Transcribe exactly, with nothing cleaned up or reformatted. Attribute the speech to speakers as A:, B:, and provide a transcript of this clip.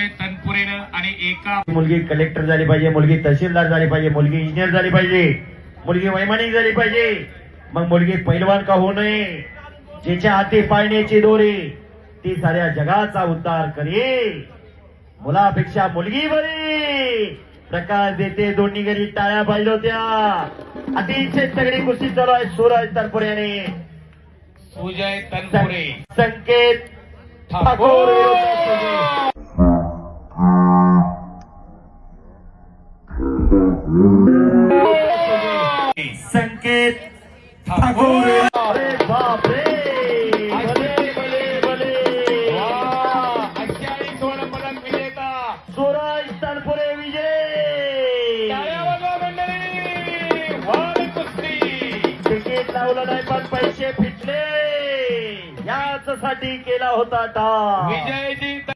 A: सुजय तनपुरेनं आणि एका
B: मुलगी कलेक्टर झाली पाहिजे, मुलगी तहसीलदार झाली पाहिजे, मुलगी इंजिनियर झाली पाहिजे, मुलगी वैमानिक झाली पाहिजे, मग मुलगी पैलवान का होऊ नये, जिच्या हाती पाळण्याची दोरी ती साऱ्या जगाचा उद्धार करे. मुलापेक्षा मुलगी बरी. प्रकाश देते दोन्ही घरी टाळ्या पाहिजे होत्या. अतिशय तगडी कुस्ती चालू आहे सूरज तनपुरे यांनी.
A: सुजय तनपुरे
B: संकेत ठाकूर संकेत ठाकूर. अरे बाप रे, भले भले भले.
A: अठ्ठावीस स्वर्ण पदक विजेता
B: सूरज तनपुरे विजय.
A: मंडळी वार कुस्ती.
B: तिकीट लावलं नाही पण पैसे फिटले. याच साठी केला होता टा
A: विजयजी